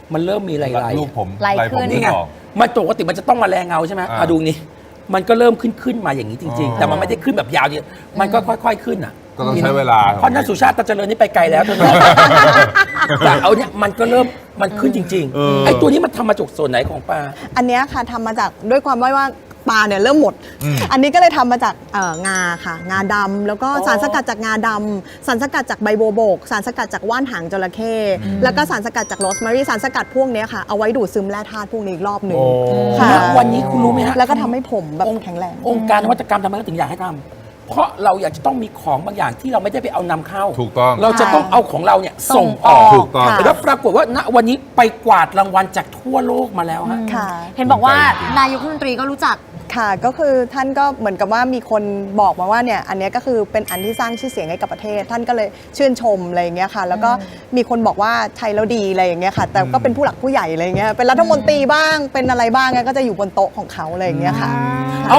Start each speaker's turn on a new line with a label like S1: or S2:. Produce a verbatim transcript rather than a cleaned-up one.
S1: มันเริ่มมีลายๆ
S2: รูปผม
S3: ลาย
S2: ลายผม
S3: ขึ้น
S1: นี่ไง
S2: ออก
S1: มันปกติมันจะต้องมาแรงเงาใช่ไหม
S2: อ่า
S1: อ่ะดูนี่มันก็เริ่มขึ้นขึ้นมาอย่างนี้จริง
S2: อ๋อ
S1: ๆ แต่มันไม่ได้ขึ้นแบบยาวเดียวมันก็ค่อยๆขึ้นอ่ะ
S2: ก็ต้องใช้เวลา
S1: เพราะนักสุชาติตาเจริญนี่ไปไกลแล้วเธอ แต่เอาเนี่ยมันก็เริ่มมันขึ้นจริง
S2: เออ
S1: ๆไอ้ตัวนี้มันทำมาจากส่วนไหนของปลา
S4: อันเนี้ยค่ะทำมาจากด้วยความว่าว่าปลาเนี่ยเริ่มหมด
S2: อืม
S4: อันนี้ก็เลยทำมาจากเอ่องาค่ะ งาดำแล้วก็
S1: อ๋อ
S4: สารสกัดจากงาดำสารสกัดจากใบโบวบก สารสกัดจากว่านหางจระเข้แล้วก็สารสกัดจากโรสแมรี่สารสกัดพวกเนี้ยค่ะเอาไว้ดูดซึมแร่ธาตุพวกนี้อีกรอบหนึ่ง
S2: โอ้
S4: ค่ะ
S1: ณวันนี้คุณรู้ไหมฮะ
S4: แล้วก็ทำให้ผมแบบ
S1: องค์
S4: แข็งแรง
S1: องค์การนวัตกรรมทำไมเขาถึงอยากให้ทำเพราะเราอยากจะต้องมีของบางอย่างที่เราไม่ได้ไปเอานำเข้า
S2: ถูกต้อง
S1: เราจะต้องเอาของเราเนี่ยส่งอ
S4: ส่
S1: อง ก
S4: ออก
S2: ถูกต้อง
S4: ค่ะ
S1: แล้วปรากฏว่าณวันนี้ไปกวาดรางวัลจากทั่วโลกมาแล้วฮะ
S4: ค่ะ
S3: เห็นบอกว่านายกรัฐมนตรีก็รู้จัก
S4: ค่ะก็คือท่านก็เหมือนกับว่ามีคนบอกมาว่าเนี่ยอันเนี้ยก็คือเป็นอันที่สร้างชื่อเสียงให้กับประเทศ ท่านก็เลยชื่นชมอะไรอย่างเงี้ยค่ะ แล้วก็มีคนบอกว่าใช้แล้วดีอะไรอย่างเงี้ยค่ะ แต่ก็เป็นผู้หลักผู้ใหญ่อะไรอย่างเงี้ยเป็นรัฐมนตรีบ้างเป็นอะไรบ้างก็จะอยู่บนโต๊ะของเขาอะไรอย่างเงี้ยค่ะ
S1: เอา